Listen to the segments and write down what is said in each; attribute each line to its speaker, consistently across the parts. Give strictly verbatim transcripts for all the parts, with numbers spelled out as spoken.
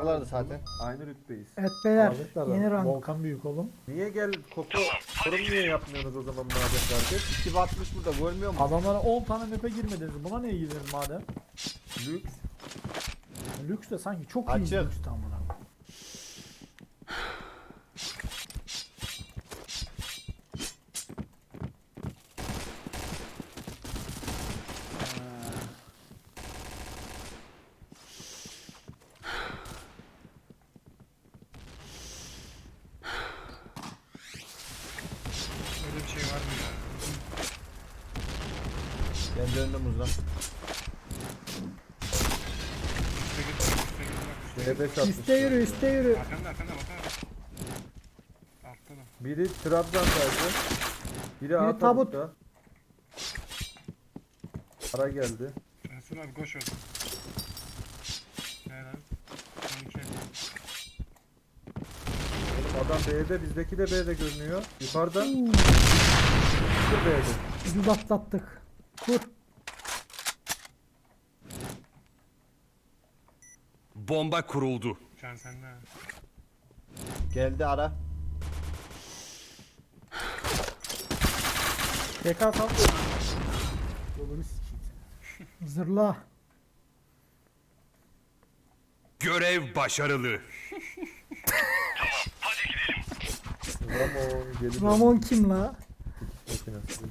Speaker 1: Oradalardı zaten.
Speaker 2: Aynı rütbeyiz.
Speaker 3: Evet beyler
Speaker 4: Aldıklar da.
Speaker 3: yeni rank.
Speaker 4: Volkan büyük oğlum.
Speaker 2: Niye gel Koko? Sorum niye yapmıyorsunuz o zaman madem kardeş?
Speaker 1: iki batmış burada görmüyor musun?
Speaker 4: Adamlara on tane map'e girmediniz. Buna niye girdiniz madem?
Speaker 2: Lüks.
Speaker 4: Lüks de sanki çok iyi
Speaker 1: Açık.
Speaker 4: lüks tam buna.
Speaker 5: Öyle bir şey var mı ya?
Speaker 1: Ben döndüm uzdan.
Speaker 5: Üste git, üste git, bak, üste
Speaker 2: D beş atmış.
Speaker 3: Üste yürü üste yürü.
Speaker 5: git. Arkanda, arkanda, bakar. Altta da.
Speaker 2: Biri Trabzon'daydı. Biri
Speaker 3: Biri
Speaker 2: A
Speaker 3: tabut.
Speaker 2: tabutta. Para geldi.
Speaker 5: Resul abi koş orada. Ne lan? on iki.
Speaker 2: Adam B'de, bizdeki de B'de görünüyor. Yukarıda.
Speaker 3: Uuu,
Speaker 2: Bir B'de.
Speaker 3: ucuz atlattık. Kur.
Speaker 6: Bomba kuruldu.
Speaker 5: Can sende ha.
Speaker 1: Geldi ara.
Speaker 4: T K sal. Yolunu sikeyim seni.
Speaker 3: Zırla.
Speaker 6: Görev başarılı.
Speaker 2: Ramon geliyor.
Speaker 3: Ramon kim la?
Speaker 2: Makinesi.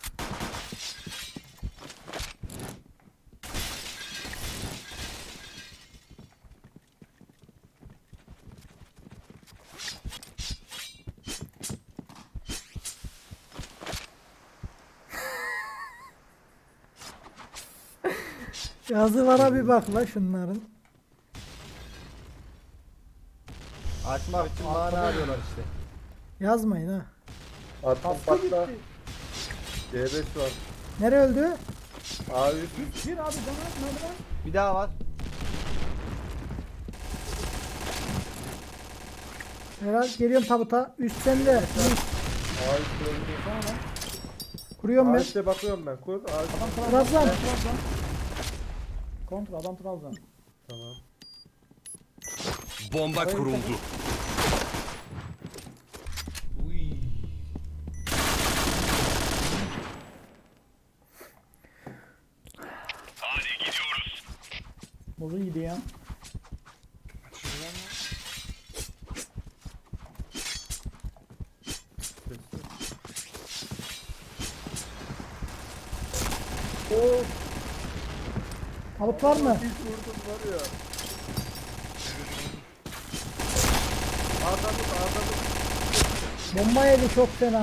Speaker 3: Yazılara bir bak la şunların.
Speaker 1: Açmak için mana arıyorlar işte.
Speaker 3: Yazmayın ha.
Speaker 2: Attım
Speaker 4: Kaskı
Speaker 2: patla.
Speaker 4: gitti.
Speaker 2: D beş var.
Speaker 3: Nere öldü?
Speaker 2: A üst.
Speaker 4: Gir abi bana merdiven.
Speaker 1: Bir daha var.
Speaker 3: Herhal geliyorum tabuta. Üst sende. Üst.
Speaker 2: A üst öldü.
Speaker 4: Sonra lan.
Speaker 3: Kuruyorum
Speaker 2: A
Speaker 3: ben.
Speaker 2: üstte bakıyorum ben. Kur. A üst.
Speaker 4: Adam Trabzon.
Speaker 3: Trabzon.
Speaker 4: Trabzon. Kontra adam Trabzon.
Speaker 2: Tamam.
Speaker 6: Bomba kuruldu.
Speaker 1: Uy.
Speaker 4: Bozu iyiydi ya.
Speaker 5: Açıyorlar mı?
Speaker 2: Oo.
Speaker 3: Tabut var mı?
Speaker 2: Hiç vurdum var ya.
Speaker 5: Evet, oldu.
Speaker 2: A tabut, A tabut.
Speaker 3: Bomba yedi çok fena.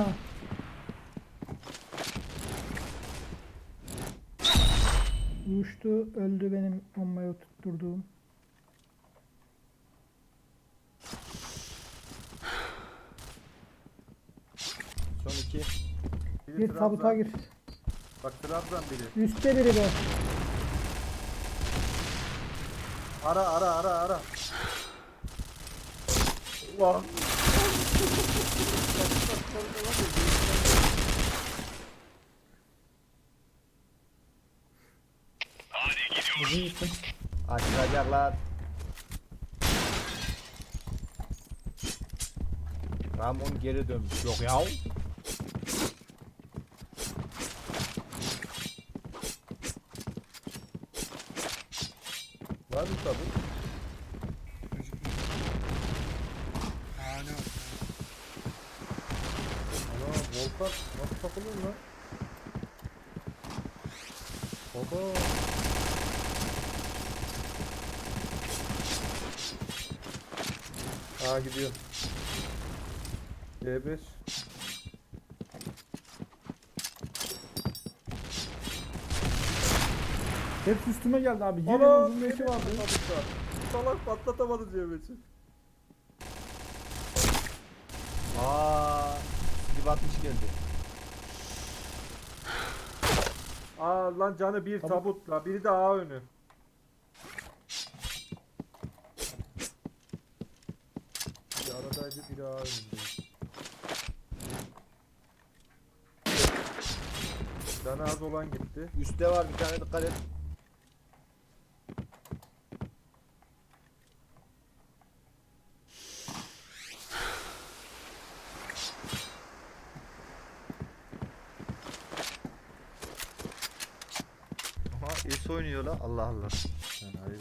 Speaker 3: Uçtu öldü benim bombayı tutturduğum.
Speaker 1: Son iki.
Speaker 2: Biri
Speaker 3: Bir
Speaker 2: Trabzon.
Speaker 3: tabuta gir.
Speaker 2: Bak Trabzon biri.
Speaker 3: Üstte biri de.
Speaker 2: Ara ara ara ara. Ulan.
Speaker 4: Bozu gittim.
Speaker 1: Açılacaklar. Ramon geri dönmüş. Yok ya.
Speaker 2: Var mı tabut?
Speaker 5: Gözükmüyor. Aa ne var?
Speaker 2: Ana Volkan nasıl takılıyor lan? Baba. Aa gidiyor. D beş.
Speaker 4: Hepsi üstüme geldi abi. Yerin
Speaker 2: Ana
Speaker 4: uzun eşi vardı.
Speaker 2: tabutta. Salak patlatamadı Cemil'i.
Speaker 1: Aa, bir batmış geldi.
Speaker 2: Aa lan canı bir
Speaker 4: Tabut.
Speaker 2: tabut la. Biri de A önü. Biri aradaydı biri A önünde. Canı az olan gitti.
Speaker 1: Üstte var bir tane, dikkat et. Nasıl oynuyor la? Allah Allah.
Speaker 2: Yani hayır.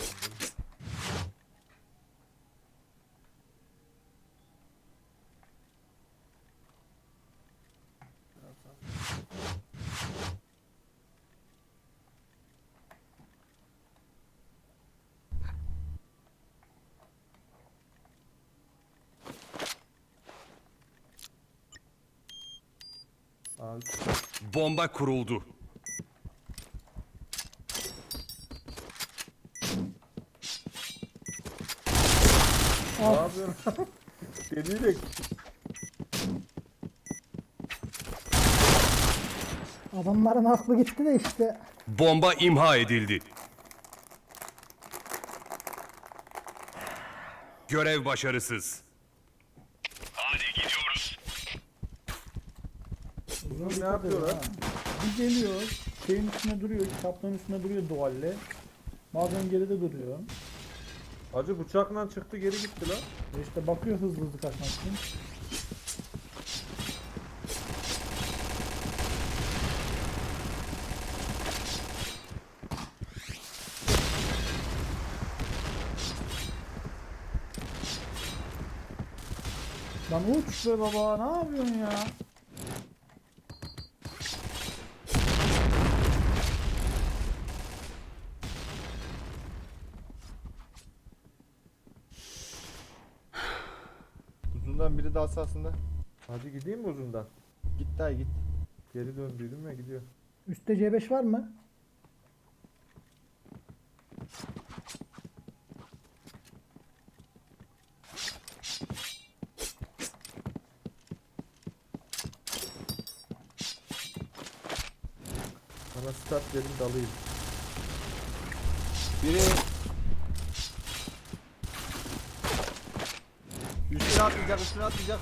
Speaker 2: Abi
Speaker 6: Bomba kuruldu.
Speaker 2: ne yapıyorsun? Delilik.
Speaker 3: Adamların aklı gitti de işte.
Speaker 6: Bomba imha edildi. Görev başarısız.
Speaker 2: Uzun ne yapıyorlar?
Speaker 4: Bir geliyor. Şeyin üstüne duruyor. Kitaplığın üstüne duruyor duvalle. Bazen geride duruyor.
Speaker 2: Acı bıçakla çıktı geri gitti lan.
Speaker 4: E işte bakıyor hızlı hızlı kaçmak için. Lan uç be baba, ne yapıyorsun ya?
Speaker 1: Uzundan biri de asasında.
Speaker 2: Hadi gideyim mi uzundan?
Speaker 1: Git dayı git.
Speaker 2: Geri döndüydüm ya gidiyor.
Speaker 3: Üstte C beş var mı?
Speaker 2: Bana start verin dalayım.
Speaker 1: Biri üstüne atlayacak, üstüne atlayacak.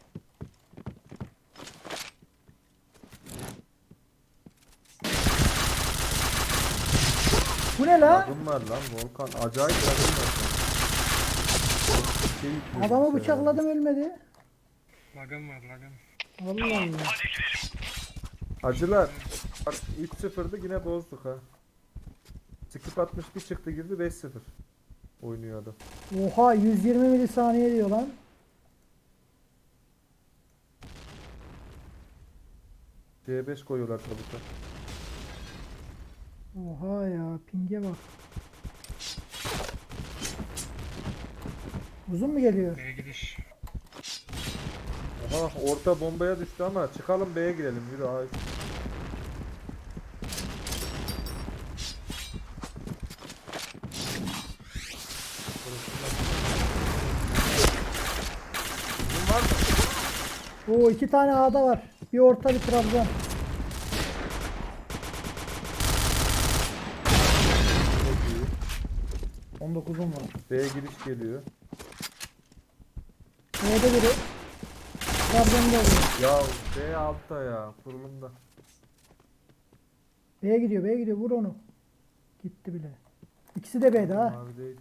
Speaker 3: Bu ne la?
Speaker 2: Lagım var lan Volkan. Acayip lagım var. Şey yüklüyorum
Speaker 3: Adamı
Speaker 2: işte
Speaker 3: bıçakladım ölmedi.
Speaker 5: Lagım var lagım.
Speaker 3: Allah Allah.
Speaker 2: ya. Acılar. Bak üç sıfırdı yine bozduk ha. Skip altmış bir çıktı girdi beş sıfır. Oynuyor adam.
Speaker 3: Oha yüz yirmi milisaniye diyor lan.
Speaker 2: C beş koyuyorlar tabuta.
Speaker 3: Oha ya pinge bak. Uzun mu geliyor?
Speaker 5: B'ye gidiş.
Speaker 2: Aha orta bombaya düştü ama çıkalım B'ye girelim yürü abi.
Speaker 1: Uzun var mı?
Speaker 3: Oo iki tane A'da var. Bir orta bir Trabzon.
Speaker 2: Çok iyi.
Speaker 4: on dokuzum var.
Speaker 2: B'ye giriş geliyor.
Speaker 3: B'de biri. Trabzon'da oluyor.
Speaker 2: Ya B altta ya kurulumda.
Speaker 3: B'ye gidiyor B'ye gidiyor vur onu. Gitti bile. İkisi de B'de ha.
Speaker 2: Abi değil.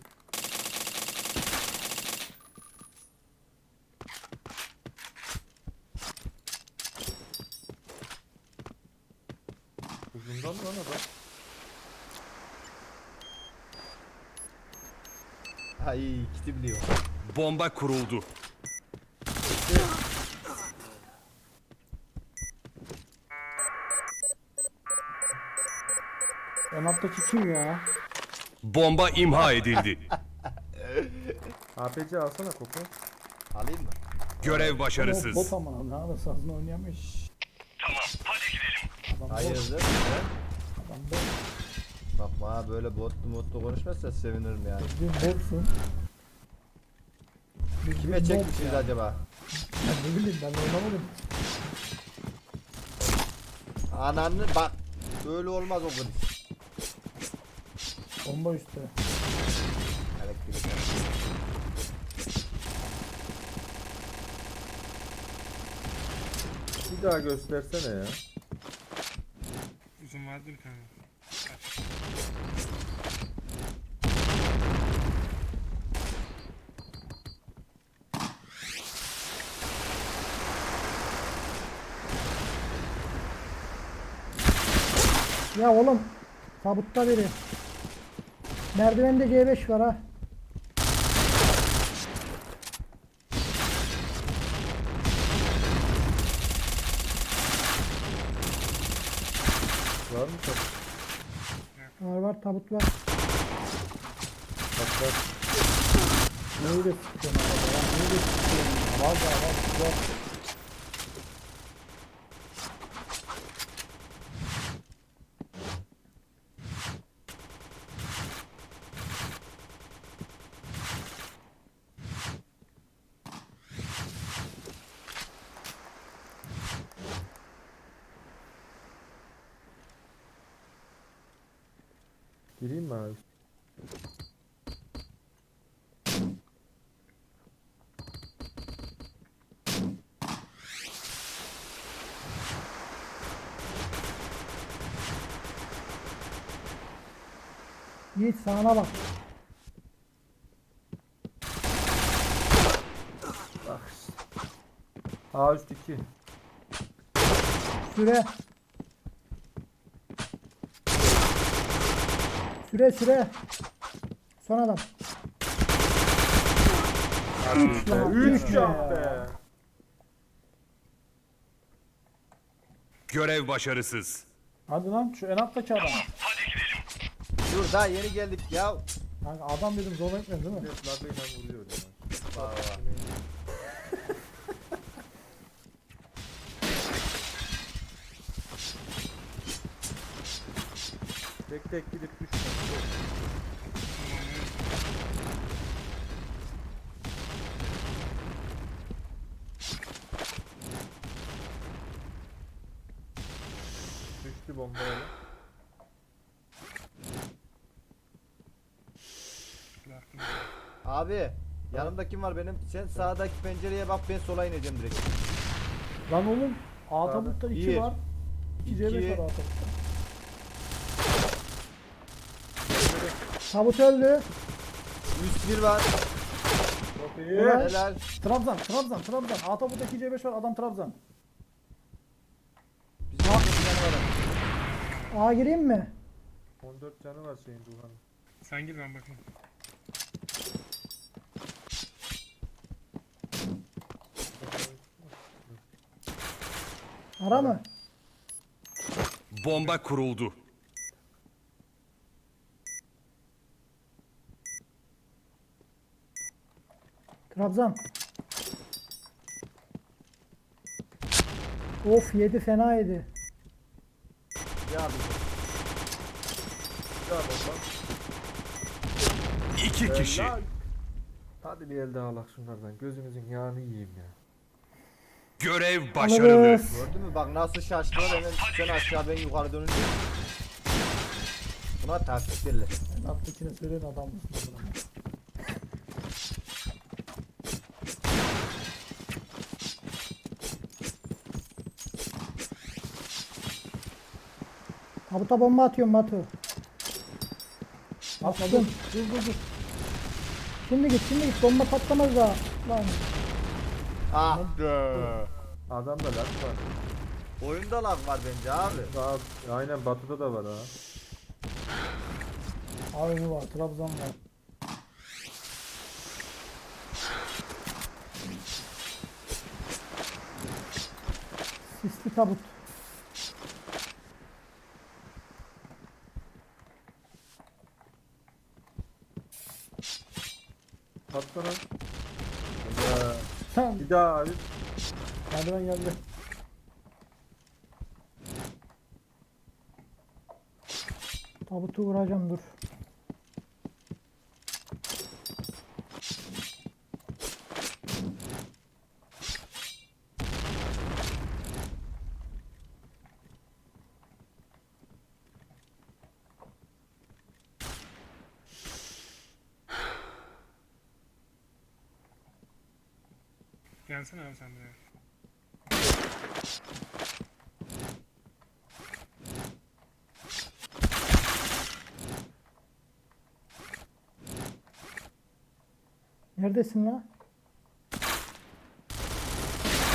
Speaker 2: Uzundan mı lan adam?
Speaker 1: Ay kiti biliyor.
Speaker 6: Bomba kuruldu.
Speaker 4: En alttaki kim ya?
Speaker 6: Bomba imha edildi.
Speaker 2: A P C alsana koku.
Speaker 1: Alayım mı?
Speaker 6: Görev
Speaker 4: O
Speaker 6: başarısız.
Speaker 4: bot ama ne arası sazını oynayamış. Adam bot.
Speaker 1: Hayırdır?
Speaker 4: Adam bot.
Speaker 1: Bak bana böyle botlu motlu konuşmazsa sevinirim yani.
Speaker 4: Bir botsun. Bir-
Speaker 1: Kime
Speaker 4: bir bot
Speaker 1: çekmişsiniz
Speaker 4: ya.
Speaker 1: acaba?
Speaker 4: Ya ne bileyim ben oynamadım.
Speaker 1: Ananı bak. Böyle olmaz o kız.
Speaker 4: Bomba üstte.
Speaker 1: Elektrik.
Speaker 2: Bir daha göstersene ya.
Speaker 5: Uzun vardı bir tane. Kaç.
Speaker 3: Ya oğlum Tabutta biri. Merdivende C beş var ha.
Speaker 2: Var mı tabut?
Speaker 3: Var var tabut var.
Speaker 2: Bak bak.
Speaker 4: Neyi de sıkıyorum arada ya. Neyi de sıkıyorum ya. Var da var. Var.
Speaker 2: Gireyim mi abi?
Speaker 3: Yiğit sağına bak.
Speaker 2: Bak işte. A üst iki.
Speaker 3: Süre. Süre süre. Son adam. Üç lan.
Speaker 2: üç
Speaker 3: üç
Speaker 2: can
Speaker 3: ya.
Speaker 2: be.
Speaker 6: Görev başarısız.
Speaker 4: Hadi lan şu en alttaki adam.
Speaker 1: Dur daha yeni geldik ya.
Speaker 4: Kanka adam dedim zor etmedi değil mi?
Speaker 2: Labeyla vuruyor ya.
Speaker 1: Vay vay.
Speaker 2: Tek tek gidip düşme. Düştü bombayla.
Speaker 5: Bıraktım.
Speaker 1: Abi yanımda kim var benim? Sen sağdaki pencereye bak, ben sola ineceğim direkt.
Speaker 4: Lan oğlum A tabutta iki
Speaker 1: Bir.
Speaker 4: var. iki C beş
Speaker 1: İki.
Speaker 4: var A tabutta.
Speaker 3: Tabut öldü.
Speaker 1: Üst bir var.
Speaker 2: Çok iyi.
Speaker 3: Evet.
Speaker 1: Helal.
Speaker 4: Trabzan, Trabzan, Trabzan. A tabutta iki C beş var adam Trabzan.
Speaker 1: Bizim bir tane var.
Speaker 3: A gireyim mi?
Speaker 2: on dört canı var şeyin Duhan'ın.
Speaker 5: Sen gir ben bakayım.
Speaker 3: Ara mı?
Speaker 6: Bomba kuruldu.
Speaker 3: Trabzan. Of yedi fena yedi.
Speaker 1: Ya abi.
Speaker 2: Ya bomba.
Speaker 6: İki kişi.
Speaker 2: Helal. Hadi bir el daha alak şunlardan. Gözümüzün yağını yiyeyim ya.
Speaker 6: Görev başarılı.
Speaker 3: Alırız.
Speaker 1: Gördün mü bak nasıl şaştılar, hemen sen aşağı ben yukarı dönünce. Buna taktik derler.
Speaker 4: En alttakine söyleyin adam mısın? oğlum?
Speaker 3: Tabuta bomba atıyorum Batu.
Speaker 4: Atma dur,
Speaker 3: Attım.
Speaker 4: dur dur dur.
Speaker 3: Şimdi git şimdi git bomba patlamaz daha. Lan.
Speaker 1: Ah be.
Speaker 2: Adamda lag var.
Speaker 1: Oyunda lag var bence abi.
Speaker 2: Daha, aynen Batı'da da var ha.
Speaker 4: A önü var, Trabzan var.
Speaker 3: Sisli tabut.
Speaker 2: Patlana. Ya.
Speaker 4: Sen
Speaker 2: Bir daha abi.
Speaker 4: merdiven geldi.
Speaker 3: Tabutu vuracağım dur.
Speaker 5: Gelsene abi sen buraya.
Speaker 3: Neredesin la?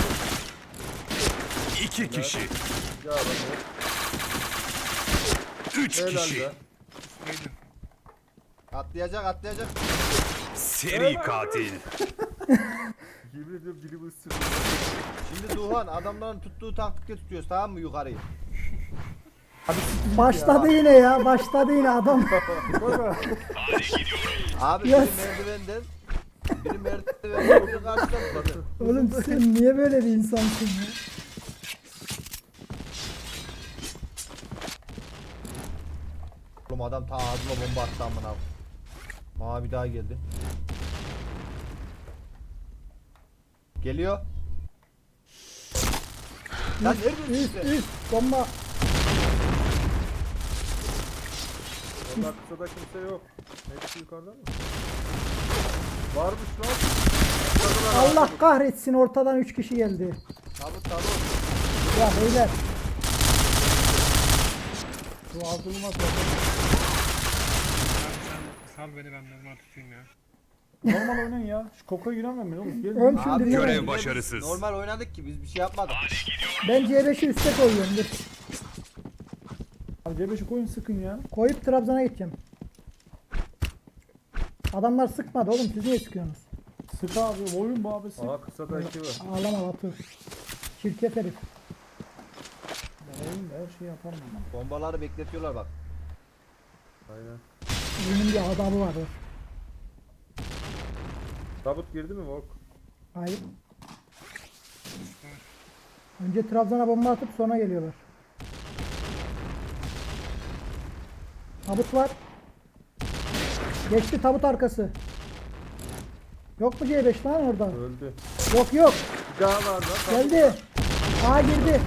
Speaker 6: İki kişi.
Speaker 2: Ya bak.
Speaker 6: Üç
Speaker 2: Helal
Speaker 6: kişi.
Speaker 2: be.
Speaker 5: Neydi?
Speaker 1: Atlayacak atlayacak.
Speaker 6: Seri katil.
Speaker 2: Yemin ediyorum dilimi ısırdı.
Speaker 1: Şimdi Duhan adamların tuttuğu taktikle tutuyoruz tamam mı yukarıyı?
Speaker 4: Abi siktir
Speaker 3: Başladı yine ya. Başladı yine adam.
Speaker 4: ya.
Speaker 1: Abi
Speaker 3: Yes.
Speaker 1: biri merdivenden biri merdivenden biri karşıdan tutladı.
Speaker 3: Oğlum sen niye böyle bir insansın ya?
Speaker 1: Oğlum adam ta ağzıma bomba attı amına. Mavi daha geldi. Geliyor. Lan nerede
Speaker 3: Üst
Speaker 1: işte?
Speaker 3: üst bomba.
Speaker 2: Valla kısada kimse yok. Hepsi yukarıda mı? Varmış lan.
Speaker 3: Allah kahretsin ortadan üç kişi geldi.
Speaker 1: Tabut tabut.
Speaker 3: Ya beyler.
Speaker 4: Bu ağzılmaz.
Speaker 5: Abi sen sal beni ben normal tutayım ya.
Speaker 4: Normal oynayın ya. Şu koka giremem ben oğlum. Gelin.
Speaker 3: Ön
Speaker 1: Abi,
Speaker 3: şimdi
Speaker 6: görev
Speaker 3: görev.
Speaker 6: başarısız.
Speaker 1: Normal oynadık ki biz bir şey yapmadık.
Speaker 3: Ben C beşi üste koyuyorum. Dur.
Speaker 4: Abi C beşi koyun sıkın ya.
Speaker 3: Koyup Trabzon'a gideceğim. Adamlar sıkmadı oğlum siz niye sıkıyorsunuz?
Speaker 4: Sık abi. Oyun bu abi sık.
Speaker 2: Aa kısada iki var.
Speaker 3: Ağlama Batu. Çirkef herif.
Speaker 4: Ben oyun da her şeyi yaparım ben.
Speaker 1: Bombaları bekletiyorlar bak.
Speaker 2: Aynen.
Speaker 3: Bunun bir adabı var. dur.
Speaker 2: Tabut girdi mi Volk?
Speaker 3: Hayır. Önce Trabzon'a bomba atıp sonra geliyorlar. Tabut var. Geçti tabut arkası. Yok mu C beş lan orada?
Speaker 2: Öldü.
Speaker 3: Yok yok.
Speaker 2: Bir daha var lan. Tabut.
Speaker 3: Geldi. A girdi.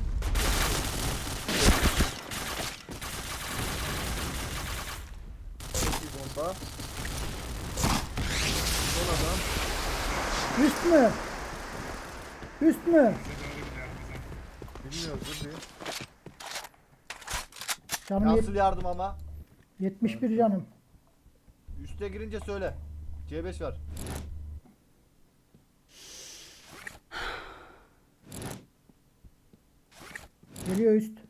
Speaker 2: İki bomba. Son adam.
Speaker 3: Üst mü? Üst mü?
Speaker 5: Bize doğru gidiyor bize.
Speaker 2: Bilmiyoruz dur bir.
Speaker 3: Canım yet-
Speaker 1: Nasıl yardım ama?
Speaker 3: yetmiş bir canım.
Speaker 1: Üste girince söyle. C beş var.
Speaker 3: Geliyor üst.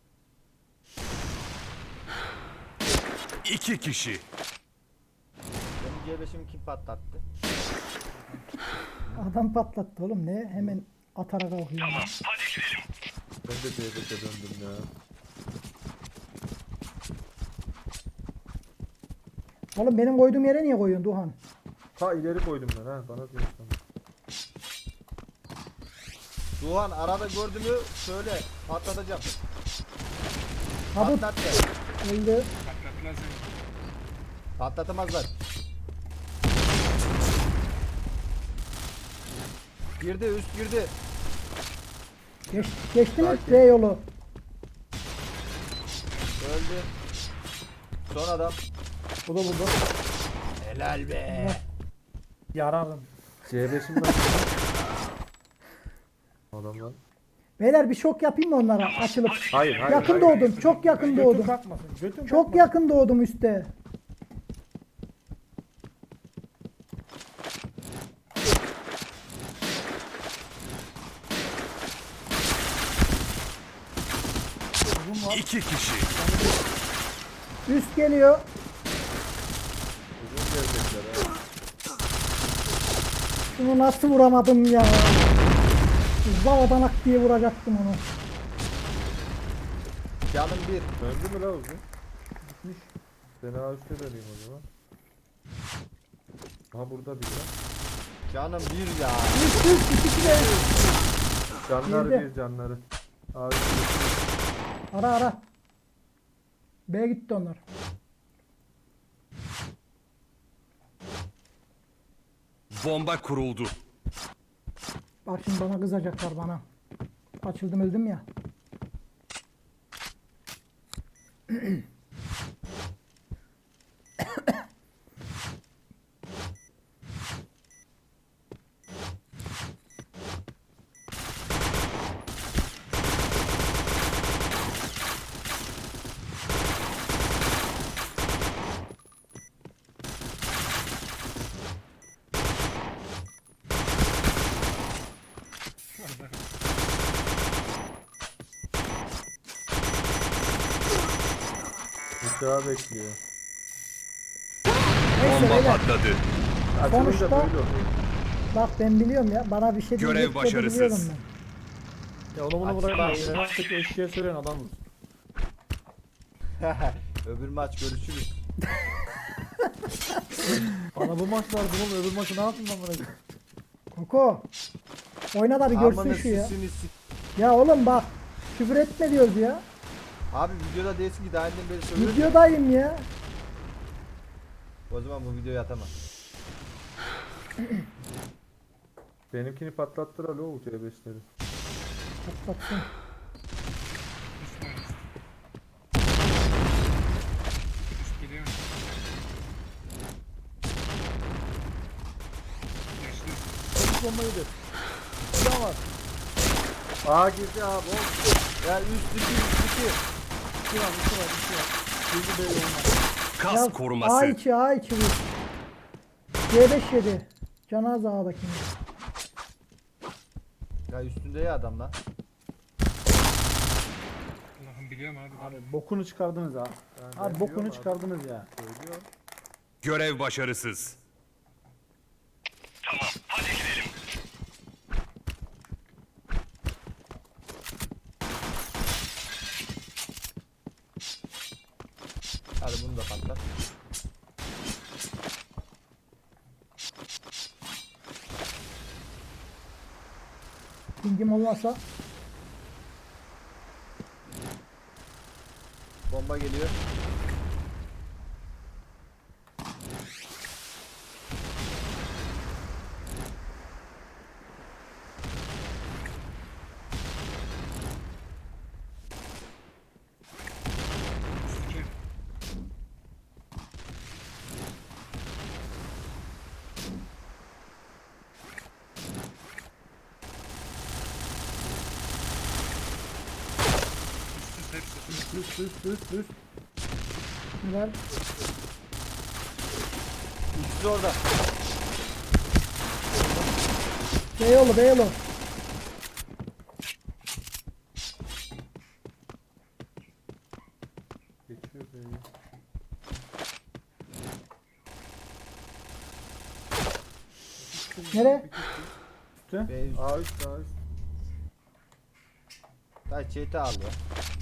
Speaker 6: İki kişi.
Speaker 1: Benim C beşimi kim patlattı?
Speaker 3: Adam patlattı oğlum ne? Hemen atarak kalkıyor.
Speaker 2: Ben de C beşe döndüm ya.
Speaker 3: Oğlum benim koyduğum yere niye koyuyorsun Duhan?
Speaker 2: Ha ileri koydum ben ha. Bana diyorsun.
Speaker 1: Duhan arada gördü mü söyle. Patlatacağım.
Speaker 3: Tabut
Speaker 1: Patlat de.
Speaker 3: öldü.
Speaker 5: Patlattılar seni.
Speaker 1: Patlatamazlar. Girdi üst girdi.
Speaker 3: Geç, geçti mi
Speaker 2: Sakin.
Speaker 3: B yolu?
Speaker 1: Öldü. Son adam.
Speaker 4: Bu da burada.
Speaker 1: Helal be.
Speaker 4: Yararım.
Speaker 2: C beşim var. Adamlar.
Speaker 3: Beyler bir şok yapayım mı onlara açılıp?
Speaker 2: Hayır hayır.
Speaker 3: Yakın
Speaker 2: hayır.
Speaker 3: doğdum. Çok yakın
Speaker 4: Götün
Speaker 3: doğdum.
Speaker 4: kalkmasın. Götün
Speaker 3: Çok
Speaker 4: kalkmasın.
Speaker 3: yakın doğdum üstte.
Speaker 4: Uzun var.
Speaker 6: İki kişi.
Speaker 3: Üst geliyor.
Speaker 2: Uzun gelecekler ha.
Speaker 3: Şunu nasıl vuramadım ya? Zavadan diye vuracaktım onu.
Speaker 1: Canım bir.
Speaker 2: Döndü mü la uzun?
Speaker 4: Gitmiş.
Speaker 2: Fena üstte döneyim o zaman. Aha burada bir ya.
Speaker 1: Canım bir ya.
Speaker 3: Üst üst ikisi de üst.
Speaker 2: Canları
Speaker 3: Girdi.
Speaker 2: bir canları. Abi
Speaker 3: Ara ara. B'ye gitti onlar.
Speaker 6: Bomba kuruldu.
Speaker 3: Bak şimdi bana kızacaklar bana. Açıldım öldüm ya.
Speaker 2: Aşağı bekliyor.
Speaker 3: Neyse
Speaker 6: Bomba
Speaker 3: beyler.
Speaker 6: patladı.
Speaker 2: Açılınca
Speaker 3: Sonuçta-
Speaker 2: böyle oluyor.
Speaker 3: Bak ben biliyorum ya. Bana bir şey
Speaker 6: Görev
Speaker 3: diyecek de
Speaker 6: başarısız.
Speaker 3: biliyorum ben.
Speaker 4: Ya onu bunu
Speaker 1: Aç-
Speaker 4: bırakma. Üniversitedeki eşeğe söyleyen adamız.
Speaker 1: Öbür maç görüşürüz.
Speaker 4: Bana bu maç lazım oğlum. Öbür maçı ne yapayım ben bırakayım?
Speaker 3: Koko. Oyna da bir görsün
Speaker 1: Amanın
Speaker 3: şu ya.
Speaker 1: sisini sik.
Speaker 3: Ya oğlum bak. Küfür etme diyoruz ya.
Speaker 1: Abi videoda değilsin ki daha önceden beri söylüyorum.
Speaker 3: Videodayım ya.
Speaker 1: O zaman bu videoyu atamam.
Speaker 2: Benimkini patlattılar alo C beşleri.
Speaker 3: Patlatsın.
Speaker 5: Üst var üst. Üst geliyor. Geçti.
Speaker 4: Çabuk bombayı da. Silah var.
Speaker 2: Aa girdi abi. o-
Speaker 1: Ya üst iki üst iki.
Speaker 4: İki var, iki var, iki var. Bizi böyle olmaz.
Speaker 6: Kas
Speaker 3: Ya,
Speaker 6: koruması.
Speaker 3: A iki A iki vur. C beş yedi. Canaz A'dakini.
Speaker 1: Ya üstünde ya adam lan.
Speaker 5: Allah'ım biliyorum abi.
Speaker 4: Abi bokunu çıkardınız ha.
Speaker 2: Ben
Speaker 4: Abi bokunu
Speaker 2: biliyorum
Speaker 4: çıkardınız ya.
Speaker 2: Söylüyor.
Speaker 6: Görev başarısız.
Speaker 1: Hadi bunu da patlat.
Speaker 3: Pingim olmasa.
Speaker 1: Bomba geliyor.
Speaker 5: Üst iki. Üst üst hepsi.
Speaker 4: Üst üst üst üst üst.
Speaker 3: Güzel.
Speaker 1: İkisi orada.
Speaker 3: Beyoğlu Beyoğlu.
Speaker 2: Geçiyor beni.
Speaker 3: Nere?
Speaker 4: Üstte.
Speaker 1: Ve üst.
Speaker 2: A üst A üst.
Speaker 1: Daha çete al ya.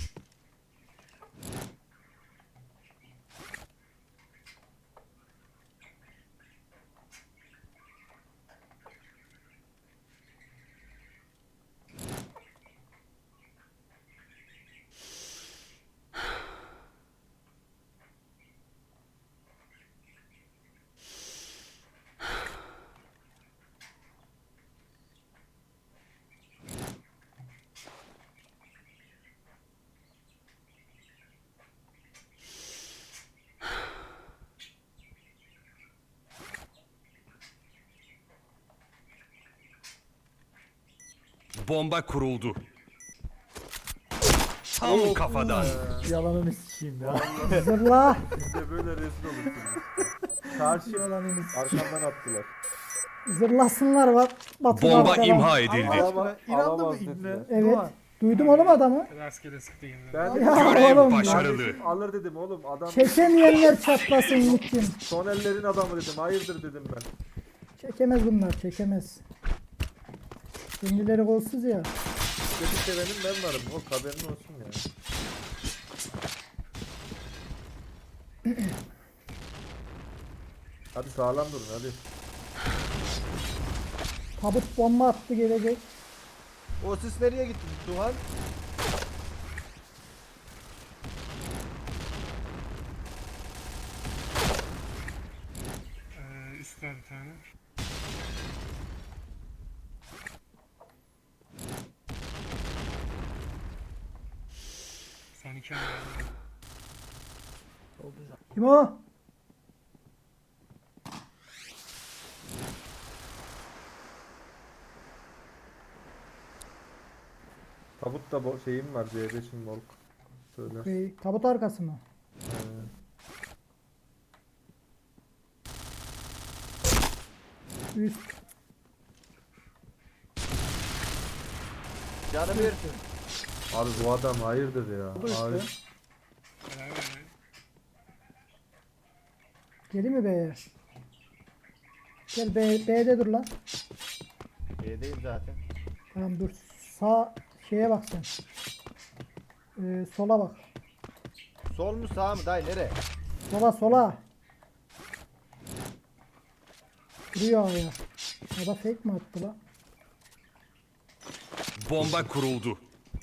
Speaker 6: Bomba kuruldu. Tam kafadan.
Speaker 4: Yalanını sikeyim ya.
Speaker 3: Zırla.
Speaker 2: Siz de böyle rezil olursunuz. Karşı
Speaker 3: Yalanını s-
Speaker 2: arkamdan attılar.
Speaker 3: Zırlasınlar bak. Batu
Speaker 6: Bomba
Speaker 3: arkadan.
Speaker 6: imha edildi.
Speaker 2: Alama-
Speaker 4: İnandı mı
Speaker 2: alamaz
Speaker 4: ibne?
Speaker 2: dediler.
Speaker 3: Evet.
Speaker 4: Doğan.
Speaker 3: Duydum oğlum adamı.
Speaker 5: Rastgele sıktı yine.
Speaker 2: Ben
Speaker 3: Ya
Speaker 6: Görev
Speaker 3: oğlum.
Speaker 6: başarılı.
Speaker 2: Kardeşim alır dedim oğlum adam.
Speaker 3: Çekemeyenler çatlasın nikim.
Speaker 2: Son ellerin adamı dedim. Hayırdır dedim ben.
Speaker 3: Çekemez bunlar çekemez. Kendileri golsüz ya.
Speaker 2: Kötü sevenim ben varım. O haberin olsun ya. Hadi sağlam durun hadi.
Speaker 3: Tabut bomba attı gelecek.
Speaker 1: O sis nereye gitti Duhan?
Speaker 5: Ee, üst var bir tane. Son iki tane var.
Speaker 3: Kim o?
Speaker 2: Tabutta bo- şeyim var C beşim Volk. Söyle.
Speaker 3: Şey, tabut arkası mı?
Speaker 2: Ee,
Speaker 3: Üst.
Speaker 1: Canı bir.
Speaker 2: abi bu adam hayırdır ya.
Speaker 4: Bu da
Speaker 2: Abi,
Speaker 4: üstte.
Speaker 5: Beraber yani.
Speaker 3: Geli mi B'ye? Gel B, B'de dur lan.
Speaker 1: B'deyim zaten.
Speaker 3: Tamam dur. Sağ şeye bak sen. Ee, sola bak.
Speaker 1: Sol mu sağ mı dayı nere?
Speaker 3: Sola sola. Duruyor ya. Ya da fake mi attı lan?
Speaker 6: Bomba kuruldu.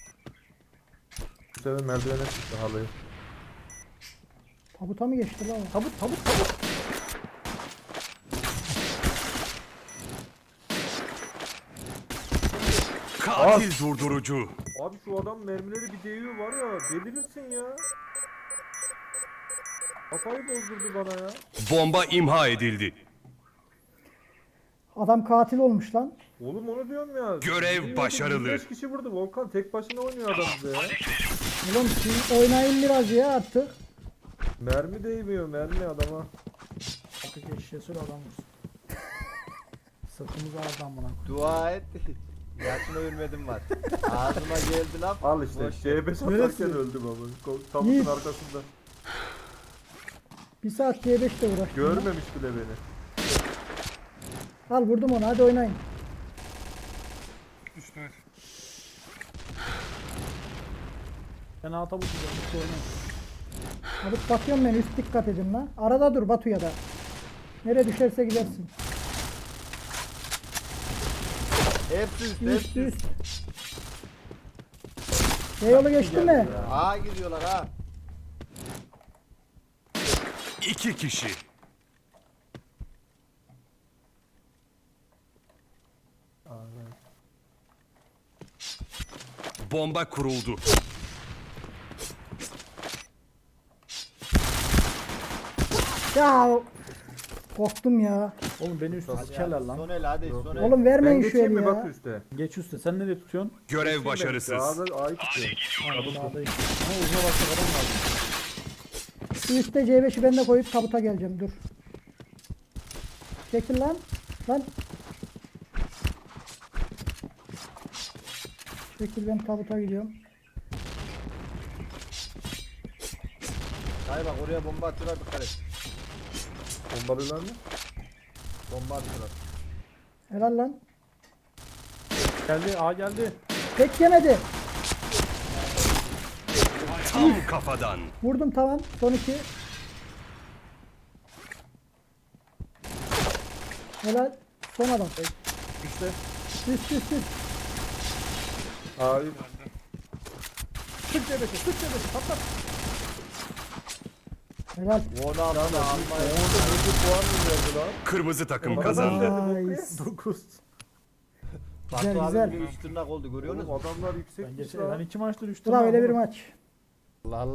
Speaker 2: Bu sefer merdivene çıktı halıyı.
Speaker 3: Tabuta mı geçti lan? o?
Speaker 4: Tabut tabut tabut.
Speaker 6: Katil durdurucu.
Speaker 2: Abi şu adam mermileri bir değiyor var ya, delirirsin ya. Kafayı bozdurdu bana ya.
Speaker 6: Bomba imha edildi.
Speaker 3: Adam katil olmuş lan.
Speaker 2: Oğlum onu diyorum ya.
Speaker 6: Görev
Speaker 2: Yirmi
Speaker 6: başarılı.
Speaker 2: yirmi beş kişi vurdu. Volkan tek başına oynuyor adam bize ya.
Speaker 3: Oğlum siz oynayın biraz ya artık.
Speaker 2: Mermi değmiyor mermi adama.
Speaker 4: Artık eşeğe sür adam vursun. Sırtımız ağrıdı amına.
Speaker 1: Dua et. Yaşına ölmedim var. Ağzıma geldi laf.
Speaker 2: Al işte
Speaker 1: Boş ver.
Speaker 2: C beş atarken öldüm ama. Ko- Tabutun
Speaker 3: Yiğit.
Speaker 2: arkasında.
Speaker 3: Bir saat C beşte uğraştım. lan.
Speaker 2: Görmemiş bile beni.
Speaker 3: Al vurdum onu hadi oynayın.
Speaker 5: Üstüne.
Speaker 4: Ben A tabut yiyeceğim. Üstü oynayın.
Speaker 3: Hadi bakıyorum ben üst dikkat edin lan. Arada dur Batu'ya da. Nereye düşerse gidersin.
Speaker 1: Hepsi üst,
Speaker 3: Üst
Speaker 1: hepsi üst.
Speaker 3: üst. B yolu geçti mi?
Speaker 1: Aa gidiyorlar ha.
Speaker 6: İki kişi. Bomba kuruldu.
Speaker 3: Ya korktum ya.
Speaker 4: Oğlum beni üstte sikerler lan.
Speaker 1: Son el hadi son el.
Speaker 3: Oğlum
Speaker 2: Ben
Speaker 3: vermeyin şu
Speaker 2: geçeyim
Speaker 3: eli
Speaker 2: mi
Speaker 3: ya.
Speaker 2: bak üstte?
Speaker 4: Geç üstte. Sen nereye tutuyorsun?
Speaker 6: Görev başarısız.
Speaker 2: Ağzı A'yı tutuyor.
Speaker 4: Aynen sağdayım. Ama uzuna bakacak adam lazım.
Speaker 3: Şu üstte C beşi ben de koyup tabuta geleceğim dur. Çekil lan. Lan. Çekil ben tabuta gidiyorum.
Speaker 1: Dayı bak oraya bomba atıyorlar dikkat et.
Speaker 2: Bombalıyorlar mı?
Speaker 1: Bomba atıyorlar.
Speaker 3: Helal lan.
Speaker 4: Geldi A geldi.
Speaker 3: Tek yemedi.
Speaker 6: Tam kafadan.
Speaker 3: Vurdum tamam. Son iki. Helal. Son adam.
Speaker 4: Üstte.
Speaker 3: Üst üst üst.
Speaker 2: A'yı
Speaker 4: Sık C beşi. Sık C beşi. Patlat.
Speaker 3: Helal.
Speaker 1: Onu alma alma.
Speaker 2: orada bir puan mı verdi lan?
Speaker 6: Kırmızı takım
Speaker 2: Adam
Speaker 6: kazandı.
Speaker 2: verdi
Speaker 3: Nice.
Speaker 2: bu
Speaker 4: dokuz.
Speaker 1: Batu
Speaker 3: Güzel,
Speaker 1: abi
Speaker 3: güzel.
Speaker 1: bir üç tırnak oldu görüyor
Speaker 2: Oğlum
Speaker 1: musun?
Speaker 2: adamlar yüksek
Speaker 4: Ben
Speaker 2: bir
Speaker 4: geçen
Speaker 2: şey
Speaker 4: ben iki maçtır üç
Speaker 3: Sıra
Speaker 4: tane
Speaker 3: öyle bir
Speaker 4: aldım.
Speaker 3: maç.
Speaker 1: Allah Allah.